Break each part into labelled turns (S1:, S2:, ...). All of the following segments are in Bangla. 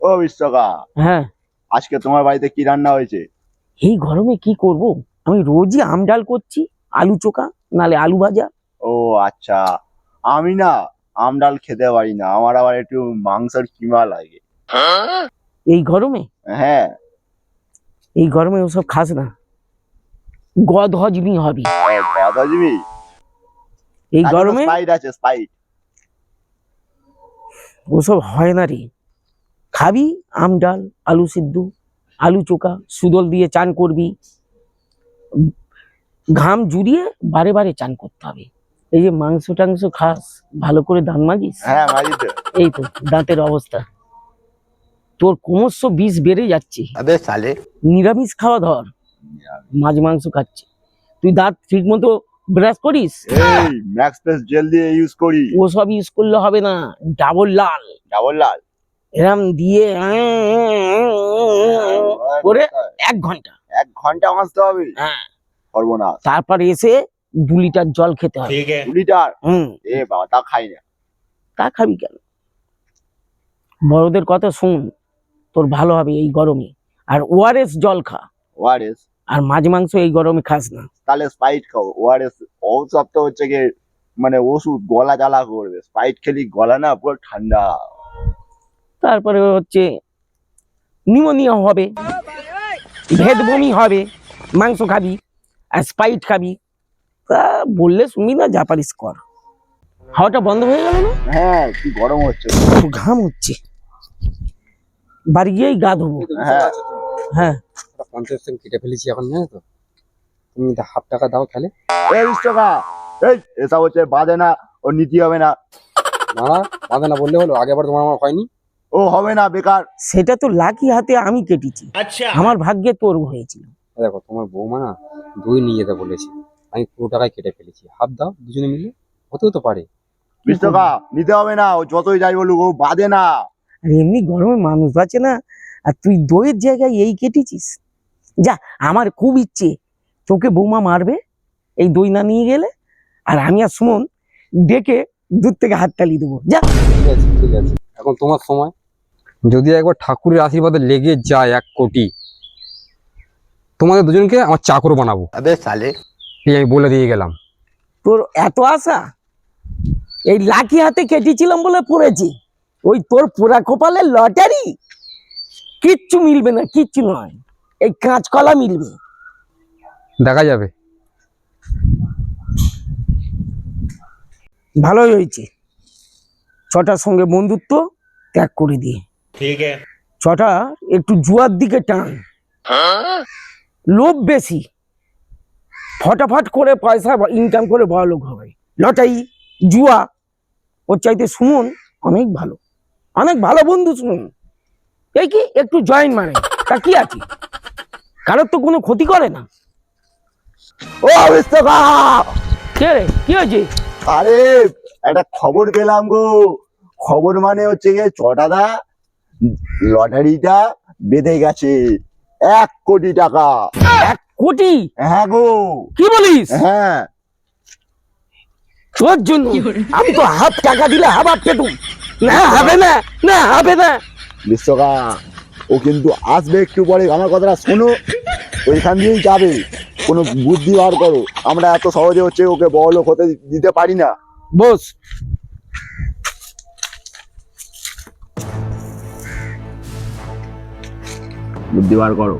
S1: ও বিশ্বকা,
S2: হ্যাঁ,
S1: আজকে তোমার বাড়িতে কি রান্না হয়েছে?
S2: এই গরমে কি করব? আমি রোজই আম ডাল করছি, আলু চোখা নালে আলু ভাজা।
S1: ও আচ্ছা, আমি না আম ডাল খেতে পারি না, আমার আবার একটু মাংসের কিমা লাগে।
S2: এই গরমে
S1: হ্যাঁ।
S2: এই গরমে ওসব খাস না, গদ হজমি হবি।
S1: দাদাজিবি,
S2: এই গরমে
S1: স্পাইট আছে, স্পাইট।
S2: ওসব হয় না রে। খাবি আম ডাল, আলু সিদ্ধ, আলু চোখা, সুদল দিয়ে চান করবি, ঘাম জুড়িয়ে বারে বারে চান করতে হবে। এই যে মাংস টাংস খাস, ভালো করে দাঁত মাজিস।
S1: হ্যাঁ মারি তো।
S2: এই তো দাঁতের অবস্থা, তোর ক্রমশ বিষ বেড়ে যাচ্ছে।
S1: আবে সালে,
S2: নিরামিষ খাওয়া ধর, মাছ মাংস খাচ্ছে। তুই দাঁত ঠিক মতো ব্রাশ করিস?
S1: এই ম্যাক্স প্রেস জেল দিয়ে ইউজ করি।
S2: ওসব ইউজ করলে হবে না, ডাবল লাল
S1: ডাবল লাল
S2: এরম দিয়ে করে 1 ঘন্টা
S1: 1 ঘন্টা মাজতে হবে?
S2: হ্যাঁ,
S1: সর্বনাশ।
S2: তারপর এসে 2 লিটার জল খেতে হবে।
S1: 2 লিটার?
S2: হুম,
S1: এ বাবা, তা খাই না।
S2: তা খাবি কেন? বড়দের কথা শুন, তোর ভালো হবে এই গরমে। আর ওআরএস জল খা,
S1: ওআরএস?
S2: আর মাছ মাংস এই গরমে খাস না।
S1: তাহলে স্পাইট খাও। ওআরএস ঔষধ তো হচ্ছে গিয়ে মানে ওষুধ, গলা জ্বালা করবে। স্পাইট খেলি গলা না পুরো ঠান্ডা।
S2: তারপরে হচ্ছে নিউমোনিয়া হবে, ভেদ বমি হবে। মাংস খাবি আর স্পাইট খাবি, তা বললে শুনবি না, যা পারিস কর। হাওয়াটা বন্ধ হয়ে গেল না?
S1: হ্যাঁ, কি গরম হচ্ছে।
S2: খুব ঘাম হচ্ছে, বাড়ি গিয়েই গা ধোবো।
S1: হ্যাঁ
S2: হ্যাঁ,
S3: 50% কেটে ফেলেছি এখন, জানো তো? তুমি হাফ টাকা দাও তাহলে।
S1: এই 20 টাকা, এই এসব হচ্ছে বাজে না, ও নিতে হবে না।
S3: না না, বাঁধে না বললে হলো, আগেবার তোমার আমার হয়নি।
S1: ও হবে না, বেকার।
S2: সেটা তো লাকি হাতে আমি কেটেছি, আমার ভাগ্যে তোর হয়েছিল।
S3: দেখো তোমার বৌমা না দই নিয়ে যেতে বলেছে, আমি পুরো টাকায় কেটে ফেলেছি। হাফ দাও দুজনে মিলে, হতেও তো পারে।
S1: 20 টাকা নিতে হবে না, ও যতই যাই বলুক ও বাজে না।
S2: আর এমনি গরমে মানুষ বাঁচে না, আর তুই দইয়ের জায়গায় এই কেটেছিস। যা, আমার খুব ইচ্ছে তোকে বৌমা মারবে এই দই না নিয়ে গেলে, আর আমি আর সুমন ডেকে দূর থেকে হাততালি দেবো। যা।
S3: ঠিক আছে ঠিক আছে, এখন তোমার সময়। যদি একবার ঠাকুরের আশীর্বাদে লেগে যায় 1 কোটি, তোমাদের দুজনকে আমার চাকর বানাবো।
S1: আবে সালে,
S3: এই আমি বলে দিয়ে গেলাম।
S2: তোর এত আশা? এই লাকি হাতে কেটেছিলাম বলে পড়েছি, ওই তোর পোড়া কপালের লটারি। কিচ্ছু মিলবে না, কিচ্ছু নয়, এই কাঁচকলা মিলবে।
S3: দেখা যাবে।
S2: ভালোই হয়েছে, ছটার সঙ্গে বন্ধুত্ব ত্যাগ করে দিয়ে ছটা একটু জুয়ার দিকে টান। লোভ বেশি, ফটাফট করে পয়সা ইনকাম করে বড় লোক হবে। লটারি, জুয়া, ওর চাইতে সুমন অনেক ভালো, অনেক ভালো বন্ধু সুমন। এই কি একটু জয়েন মারে, তা কি আছে, কারোর তো কোনো ক্ষতি করে না।
S1: ও 20 টাকা।
S2: কে রে, কি হয়েছে?
S1: আরে একটা খবর পেলাম গো। খবর মানে হচ্ছে গিয়ে চটাদা লটারিটা বেঁধে গেছে 1 কোটি টাকা।
S2: 1 কোটি?
S1: হ্যাঁ গো।
S2: কি বলিস?
S1: হ্যাঁ।
S2: তোর জন্য আমি তো হাফ টাকা দিলে হাফ পেতুম। না হবে না, না হবে না।
S1: বিশ্বকা, ও কিন্তু আসবে একটু পরে, আমার কথাটা শোনো। ওইখান দিয়েই যাবে, কোনো বুদ্ধি বার করো। আমরা এত সহজে হচ্ছে ওকে বড়লোক হতে দিতে পারি না।
S2: বস,
S1: বুদ্ধি বার করো।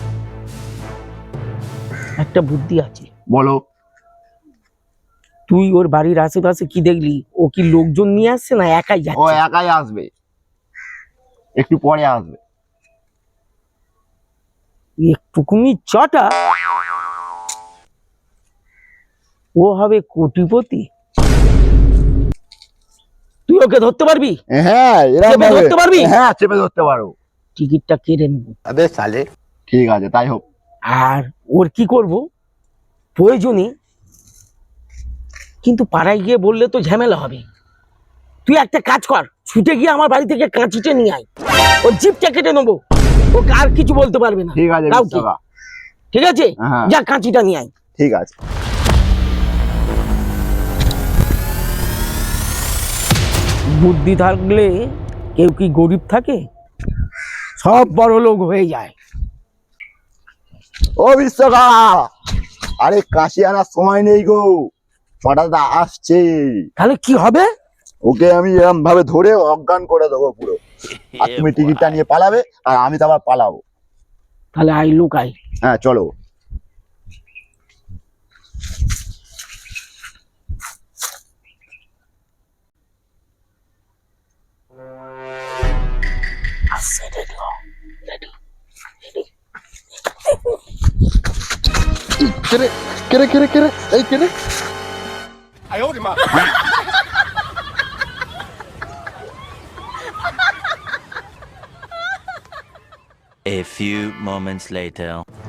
S2: একটা বুদ্ধি আছে।
S1: বলো।
S2: তুই ওর বাড়ির আশেপাশে কি দেখলি? ও কি লোকজন নিয়ে আসছে না একাই
S1: ও
S2: যাচ্ছে?
S1: একাই আসবে, একটু পরে আসবে।
S2: একটুকুনি চটা, ও হবে কোটিপতি। তুই ওকে ধরতে পারবি?
S1: হ্যাঁ,
S2: চেপে ধরতে পারবি?
S1: হ্যাঁ, চেপে ধরতে পারো।
S2: টিকিটটা কেটে নেব।
S1: আবে সালে, ঠিক আছে তাই হোক।
S2: আর ওর কি করব, প্রয়োজনে কিন্তু পাড়ায় গিয়ে বললে তো ঝামেলা হবে। তুই একটা কাজ কর, ছুটে গিয়ে আমার বাড়ি থেকে কাঁচিটা নিয়ে আয়, ও জিপটা কেটে নেবো, ও আর কিছু বলতে পারবে না।
S1: ঠিক আছে
S2: কাউকে।
S1: বিশ্বকা।
S2: ঠিক আছে,
S1: হ্যাঁ।
S2: যা কাঁচিটা নিয়ে আয়।
S1: ঠিক আছে।
S2: বুদ্ধি থাকলে কেউ কি গরিব থাকে? সব বড় লোক হয়ে যায়।
S1: ও বিশ্বকা, আরে কাশি আনার সময় নেই গো, ছটাদা আসছে।
S2: তাহলে কি হবে?
S1: ওকে আমি এরকম ভাবে ধরে অজ্ঞান করে দেবো পুরো, আর তুমি টিকিটটা নিয়ে পালাবে আর আমি তো আবার পালাবো।
S2: তাহলে আই লুকাই।
S1: হ্যাঁ চলো।
S2: আসছে, রেডি হও, রেডি।
S1: কেরে কেরে কেরে কেরে এই কেরে।
S4: A few moments later.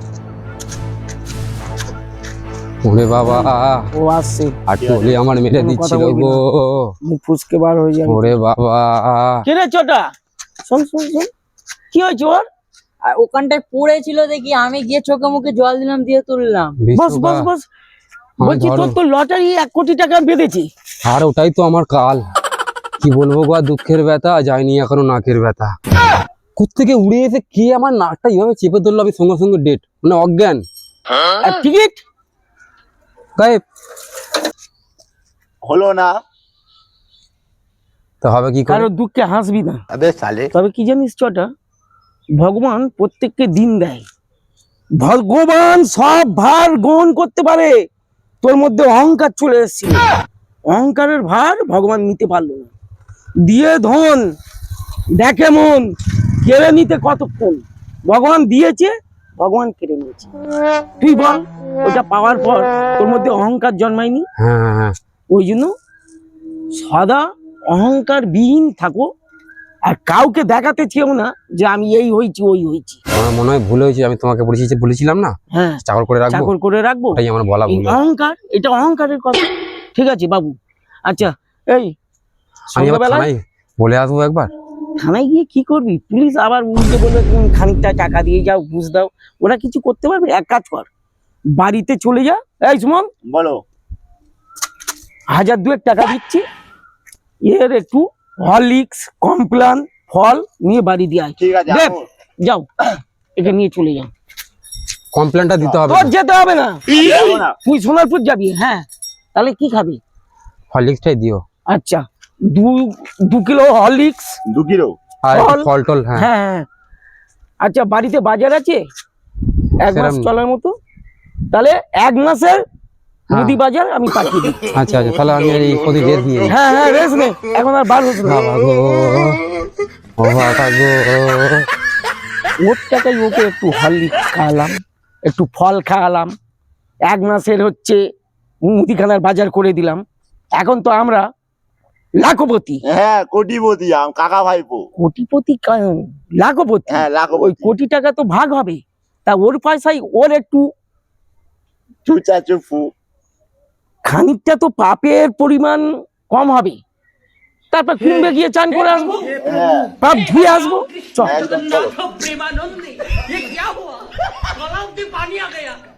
S3: ওরে বাবা,
S2: ও আসছে,
S3: আর টলি আমার মেরে
S2: কোনো কথা
S3: দিচ্ছিল
S2: বলবি
S3: গো।
S2: মুখ ফুসকে বার হয়ে যাবে।
S3: ওরে বাবা,
S2: কে রে ছোটা? শোন শোন শোন, কি হয়েছে ওর?
S5: আর ওখানটায় পড়েছিল দেখি, আমি গিয়ে চোখে মুখে জল দিলাম, দিয়ে তুললাম।
S2: বস
S3: বিশ্বকা,
S2: বস বস।
S3: আমার
S2: বলছি
S3: ধরো।
S2: তোর তো লটারি 1 কোটি টাকা বেঁধেছি।
S3: আর ওটাই তো আমার কাল। কি বলবো গো, আর দুঃখের ব্যথা যায়নি এখনো নাকের ব্যথা। কোত্থেকে উড়ে এসে কে আমার নাকটা এইভাবে চেপে ধরলো, আমি সঙ্গে সঙ্গে ডেট, মানে অজ্ঞান,
S2: আর টিকিট
S3: গায়েব।
S1: হলো না।
S3: তো হবে কি করে?
S2: কারো দুঃখে হাসবি না।
S1: আবে সালে,
S2: তবে কি জানিস ছোটা, ভগবান প্রত্যেককে দিন দেয়। ভগবান সব ভার গ্রহণ করতে পারে। তোর মধ্যে অহংকার চলে এসেছিল, অহংকারের ভার ভগবান নিতে পারলো না। দিয়ে ধন দেখে মন, কেড়ে নিতে কতক্ষণ। ভগবান দিয়েছে, ভগবান কেড়ে নিয়েছে। তুই বল, ওটা পাওয়ার পর তোর মধ্যে অহংকার জন্মায়নি?
S3: হ্যাঁ হ্যাঁ হ্যাঁ।
S2: ওই জন্য সদা অহংকার বিহীন থাকো, আর কাউকে দেখাতে চেও না যে আমি এই হয়েছি ওই হয়েছি।
S3: আমার মনে হয় ভুল হয়েছে, আমি তোমাকে বলেছিলাম না
S2: হ্যাঁ,
S3: চাকর করে রাখবো,
S2: চাকর করে রাখবো।
S3: ওটাই আমার বলা
S2: এই
S3: ভুল হয়েছে।
S2: অহংকার, এটা অহংকারের কথা। ঠিক আছে বাবু। আচ্ছা এই
S3: আমি আবার
S2: সন্ধ্যাবেলায়
S3: থানায় বলে আসবো একবার।
S2: থানায় গিয়ে কি করবি? পুলিশ আবার উল্টে বলবে তুমি খানিকটা টাকা দিয়ে যাও, ঘুষ দাও। ওরা কিছু করতে পারবে? এক কাজ কর, বাড়িতে চলে যা। এই সুমন,
S1: বলো।
S2: 1000-2 টাকা দিচ্ছি, এর একটু হরলিক্স কমপ্লান ফল নিয়ে বাড়ি দিয়ে আয়।
S1: ঠিক আছে
S2: দেখ,
S1: আমো।
S2: যাও, একে নিয়ে চলে যাও।
S3: কমপ্লেনটা দিতে হবে।
S2: তোর যেতে হবে না,
S1: যাবো না।
S2: তুই সোনারপুর যাবি। হ্যাঁ, তাহলে কি খাবি?
S3: হরলিক্সটাই দিও,
S2: আচ্ছা, 2 কিলো হরলিক্স।
S1: 2 কিলো।
S3: আর একটু
S2: ফল।
S3: ফল টল। হ্যাঁ
S2: হ্যাঁ হ্যাঁ। আচ্ছা, বাড়িতে বাজার আছে 1 মাস
S3: সেরম-
S2: চলার মতো? তাহলে 1 মাসের
S3: হ্যাঁ।
S2: মুদি বাজার আমি পাঠিয়ে দিই।
S3: আচ্ছা আচ্ছা, তাহলে আমি এই প্রতি রেস্ট নিয়ে নিই।
S2: হ্যাঁ হ্যাঁ, রেস নে, এখন আর বার হচ্ছে না।
S3: বাবা গো, ও বাবা গো।
S2: ওর টাকায় ওকে একটু হরলিক্স খাওয়ালাম, একটু ফল খাওয়ালাম, 1 মাসের হচ্ছে মুদিখানার বাজার করে দিলাম। এখন তো আমরা লাখপতি।
S1: হ্যাঁ কোটিপতি, কাকা ভাইপো।
S2: কোটিপতি লাখপতি।
S1: হ্যাঁ
S2: ওই
S1: লাখপতি।
S2: কোটি টাকা তো ভাগ হবে, তা ওর পয়সায় ওর একটু
S1: চুচা চুপু।
S2: খানিকটা তো পাপের পরিমাণ কম হবে। তারপর কুম্ভে গিয়ে চান করে আসবো,
S1: হ্যাঁ
S2: পাপ ধুয়ে আসবো। চল।
S1: একদম চলো।
S6: प्रेमानंद ये क्या हुआ? गलाव में पानी आ गया।